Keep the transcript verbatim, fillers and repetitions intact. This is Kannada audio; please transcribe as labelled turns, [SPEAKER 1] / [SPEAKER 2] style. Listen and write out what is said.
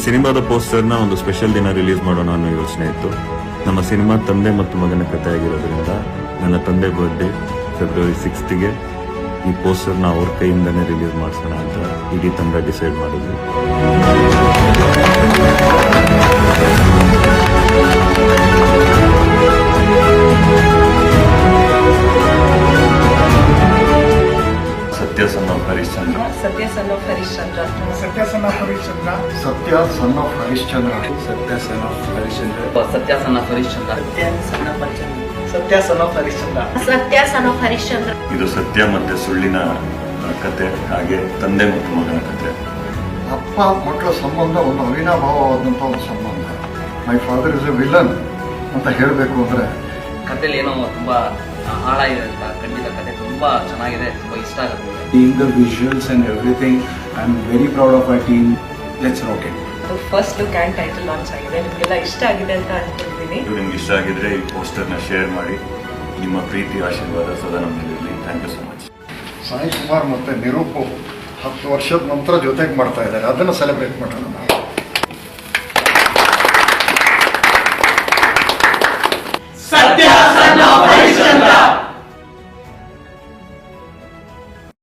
[SPEAKER 1] ಸಿನಿಮಾದ ಪೋಸ್ಟರ್ನ ಒಂದು ಸ್ಪೆಷಲ್ ದಿನ ರಿಲೀಸ್ ಮಾಡೋಣ ಅನ್ನೋ ಯೋಚನೆ ಇತ್ತು. ನಮ್ಮ ಸಿನಿಮಾ ತಂದೆ ಮತ್ತು ಮಗನ ಕಥೆ ಆಗಿರೋದ್ರಿಂದ ನನ್ನ ತಂದೆ ಬರ್ಡೇ ಫೆಬ್ರವರಿ ಸಿಕ್ಸ್ತ್ಗೆ ಈ ಪೋಸ್ಟರ್ನ ಅವ್ರ ಕೈಯಿಂದನೇ ರಿಲೀಸ್ ಮಾಡಿಸೋಣ ಅಂತ ಇಡೀ ತಂಡ ಡಿಸೈಡ್ ಮಾಡಿದ್ವಿ. ಸತ್ಯ ಸನ್ ಆಫ್ ಹರಿಶ್ಚಂದ್ರ
[SPEAKER 2] ಸತ್ಯ ಸನ್ ಆಫ್ ಹರಿಶ್ಚಂದ್ರ
[SPEAKER 3] ಸತ್ಯ ಸನ್ ಆಫ್ ಹರಿಶ್ಚಂದ್ರ
[SPEAKER 4] ಸತ್ಯ ಸನ್ ಆಫ್ ಹರಿಶ್ಚಂದ್ರ
[SPEAKER 5] ಸತ್ಯ ಸನ್ ಆಫ್ ಹರಿಶ್ಚಂದ್ರ
[SPEAKER 6] ಸತ್ಯ ಸನ್ ಆಫ್ ಹರಿಶ್ಚಂದ್ರ
[SPEAKER 3] ಸತ್ಯ ಸನ್ ಆಫ್ ಹರಿಶ್ಚಂದ್ರ
[SPEAKER 2] ಸತ್ಯ ಸನ್ ಆಫ್ ಹರಿಶ್ಚಂದ್ರ.
[SPEAKER 1] ಇದು ಸತ್ಯ ಮತ್ತೆ ಸುಳ್ಳಿನ ಕತೆ, ಹಾಗೆ ತಂದೆ ಮತ್ತು ಮಗನ ಕತೆ.
[SPEAKER 4] ಅಪ್ಪ ಮಕ್ಕಳ ಸಂಬಂಧ ಒಂದು ಅವಿನಾಭಾವವಾದಂಥ ಒಂದು ಸಂಬಂಧ. My father is a villain ಅಂತ ಹೇಳಬೇಕು ಅಂದರೆ
[SPEAKER 6] ಕಥೆಯಲ್ಲಿ ಏನೋ ತುಂಬಾ ಹಾಳಾಗಿದೆ ಅಂತ. ಖಂಡಿತ ಕಥೆ ತುಂಬಾ ಚೆನ್ನಾಗಿದೆ, ತುಂಬಾ ಇಷ್ಟ ಆಗುತ್ತೆ.
[SPEAKER 5] Seeing the visuals and everything, I'm very proud of our team. Let's rock it.
[SPEAKER 2] ಅದು first look and title launch ಆಗಿದೆ. ನಿಮಗೆಲ್ಲ ಇಷ್ಟ ಆಗಿದೆ ಅಂತ ಅನ್ಕೊಂಡಿದ್ದೀನಿ.
[SPEAKER 1] ಇದು ನಿಮ್ಗೆ ಇಷ್ಟ ಆಗಿದ್ರೆ ಈ ಪೋಸ್ಟರ್ನ ಶೇರ್ ಮಾಡಿ. ನಿಮ್ಮ ಪ್ರೀತಿ ಆಶೀರ್ವಾದ ಸದಾ ನಮ್ಮಲ್ಲಿರಲಿ. Thank you so much.
[SPEAKER 4] Sai Kumar ಮತ್ತು ನಿರೂಪು ಹತ್ತು ವರ್ಷದ ನಂತರ ಜೊತೆಗೆ ಮಾಡ್ತಾ ಇದ್ದಾರೆ, ಅದನ್ನು ಸೆಲೆಬ್ರೇಟ್ ಮಾಡೋಣ ನಾವು.
[SPEAKER 3] ಸತ್ಯ ಸನ್ ಆಫ್ ಹರಿಶ್ಚಂದ್ರ.